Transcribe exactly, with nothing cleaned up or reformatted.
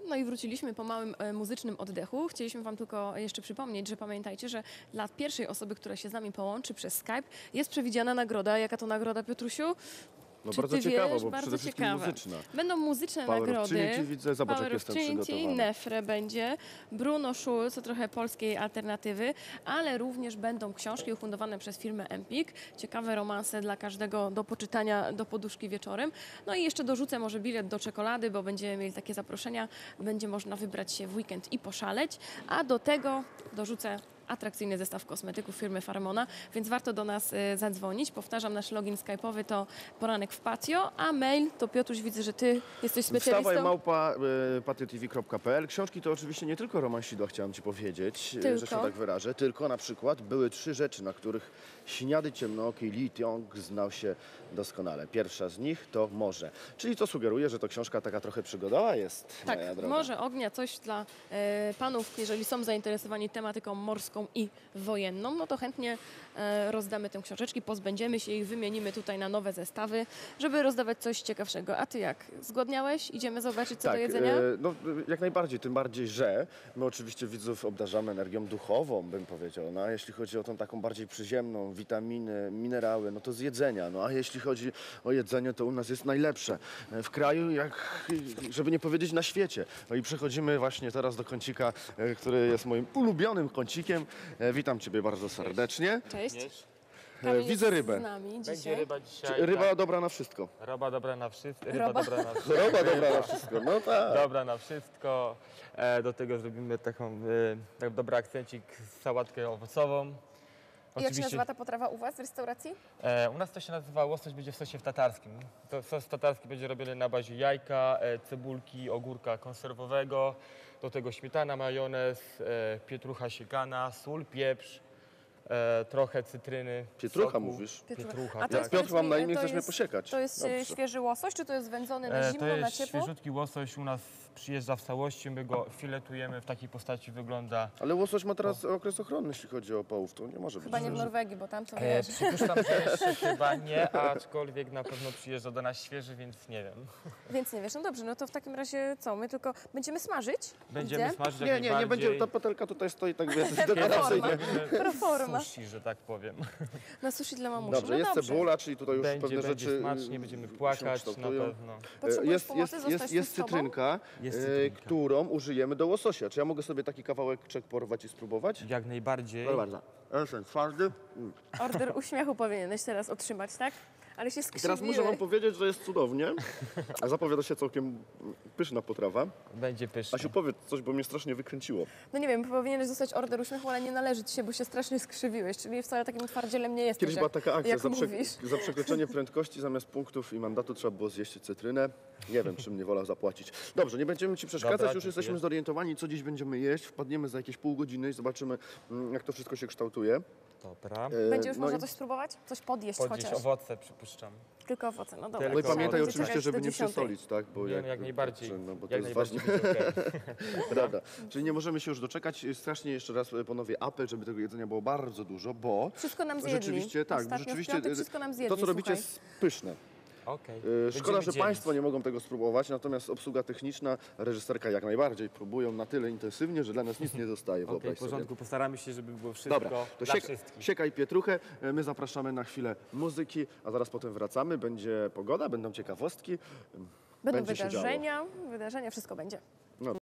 No i wróciliśmy po małym e, muzycznym oddechu. Chcieliśmy Wam tylko jeszcze przypomnieć, że pamiętajcie, że dla pierwszej osoby, która się z nami połączy przez Skype, jest przewidziana nagroda. Jaka to nagroda, Piotrusiu? No Czy bardzo ty ciekawa, wiesz? bo Bardzo przede wszystkim ciekawe. muzyczna. Będą muzyczne Power of nagrody. Trinity, widzę, zobacz, Power jak of jestem Trinity, przygotowany. Nefre będzie, Bruno Schulz, to trochę polskiej alternatywy, ale również będą książki ufundowane przez firmę Empik. Ciekawe romanse dla każdego do poczytania do poduszki wieczorem. No i jeszcze dorzucę może bilet do czekolady, bo będziemy mieli takie zaproszenia. Będzie można wybrać się w weekend i poszaleć, a do tego dorzucę atrakcyjny zestaw kosmetyków firmy Farmona, więc warto do nas y, zadzwonić. Powtarzam, nasz login skype'owy to poranek w patio, a mail to Piotruś, widzę, że ty jesteś specjalistą. Wstawaj małpa y, patiotv kropka p l. Książki to oczywiście nie tylko romansidła, chciałem Ci powiedzieć, Tylko? że się tak wyrażę, tylko na przykład były trzy rzeczy, na których śniady ciemnooki Lee Tiong znał się doskonale. Pierwsza z nich to morze, czyli to sugeruje, że to książka taka trochę przygodowa jest, Tak, moja droga. Morze Ognia, coś dla e, panów, jeżeli są zainteresowani tematyką morską i wojenną, no to chętnie e, rozdamy tę książeczki, pozbędziemy się ich, wymienimy tutaj na nowe zestawy, żeby rozdawać coś ciekawszego. A ty jak? Zgłodniałeś? Idziemy zobaczyć, co Tak, do jedzenia? e, no, jak najbardziej, tym bardziej, że my oczywiście widzów obdarzamy energią duchową, bym powiedział. No, a jeśli chodzi o tą taką bardziej przyziemną, witaminy, minerały, no to z jedzenia. No a jeśli chodzi o jedzenie, to u nas jest najlepsze e, w kraju, jak, żeby nie powiedzieć na świecie. No i przechodzimy właśnie teraz do kącika, e, który jest moim ulubionym kącikiem. E, witam Ciebie bardzo serdecznie. Cześć. Wiesz, E, Kamil widzę jest rybę. z nami będzie dzisiaj. ryba dzisiaj. Ryba tak. dobra na wszystko. Roba dobra na wszystko. Ryba Roba? dobra na wszystko. Roba dobra na wszystko, no tak. Dobra na wszystko. E, do tego zrobimy taką e, tak dobry akcencik z sałatkę owocową. I jak się nazywa ta potrawa u Was w restauracji? E, u nas to się nazywa łosoś, będzie w sosie w tatarskim. To sos tatarski będzie robiony na bazie jajka, e, cebulki, ogórka konserwowego. Do tego śmietana, majonez, e, pietrucha siekana, sól, pieprz, e, trochę cytryny. Pietrucha soku. mówisz? Pietrucha, A to tak. jest, Piotr, mam na powiedz mi, imię, to chcesz mnie jest- posiekać. To jest e, Dobrze. świeży łosoś, czy to jest wędzony na E, zimno, to na jest ciepło? świeżutki łosoś, u nas przyjeżdża w całości, my go filetujemy w takiej postaci, wygląda. Ale łosoś ma teraz okres ochronny, jeśli chodzi o połów, to nie może być. Chyba nie w że- Norwegii, bo tam co E, wiesz. przypuszczam, że jeszcze chyba nie, aczkolwiek na pewno przyjeżdża do nas świeży, więc nie wiem. Więc nie wiesz, no dobrze, no to w takim razie co, my tylko będziemy smażyć? Będziemy Gdzie? smażyć jak Nie, nie, nie najbardziej. będzie, ta patelka tutaj stoi tak wiesz, Proforma. dekoracyjnie. Robimy Proforma. sushi, że tak powiem. Na sushi dla mamusi. Dobrze, no jest dobrze. cebula, czyli tutaj już Będzie, pewne będzie rzeczy smacznie, y, będziemy się płakać na kształtują. pewno. Potrzebujesz Jest, pomocy? jest, Zostać jest, tu jest z tobą? cytrynka, Jest y, cytrynka. którą użyjemy do łososia. Czy ja mogę sobie taki kawałeczek porwać i spróbować? Jak najbardziej. Proszę bardzo. Esen, twardy. Mm. Order uśmiechu powinieneś teraz otrzymać, tak? Ale się I skrzywiłeś. teraz muszę Wam powiedzieć, że jest cudownie. Zapowiada się całkiem pyszna potrawa. Będzie pyszny. Asiu, powiedz coś, bo mnie strasznie wykręciło. No nie wiem, powinieneś dostać order uśmiechu, ale nie należy ci się, bo się strasznie skrzywiłeś, czyli wcale takim twardzielem nie jesteś, Kiedyś była jak, taka akcja, jak za, prze, mówisz. za przekroczenie prędkości zamiast punktów i mandatu trzeba było zjeść cytrynę. Nie wiem, czym mnie wolał zapłacić. Dobrze, nie będziemy Ci przeszkadzać, Dobra, już dziękuję. jesteśmy zorientowani, co dziś będziemy jeść. Wpadniemy za jakieś pół godziny i zobaczymy, mm, jak to wszystko się kształtuje. Dobra. E, Będzie już no można i- coś spróbować? Coś podjeść Podnieść chociaż. owoce, przypuszczam. Tylko owoce, no dobra. Tylko No i Trzeba pamiętaj będzie oczywiście, czekać żeby do nie dziesiątej. przesolić, tak? Bo Nie, no jak najbardziej. No, bo to Jak jest najbardziej ważne. będzie okej. Rada. Czyli nie możemy się już doczekać. Strasznie jeszcze raz ponowię apel, żeby tego jedzenia było bardzo dużo, bo Wszystko nam zjedli. rzeczywiście, tak, Ostatnio rzeczywiście w piątek wszystko nam zjedli, to, co robicie, słuchaj. jest pyszne. Okej. E, Będziemy Szkoda, że dzielić. Państwo nie mogą tego spróbować, natomiast obsługa techniczna, reżyserka jak najbardziej próbują na tyle intensywnie, że dla nas nic nie zostaje, Okej, wyobraź w porządku, sobie. postaramy się, żeby było wszystko Dobra, to dla siek, wszystkich. siekaj pietruchę, E, my zapraszamy na chwilę muzyki, a zaraz potem wracamy, będzie pogoda, będą ciekawostki, Będą będzie się działo. wydarzenia, wydarzenia, wszystko będzie. No.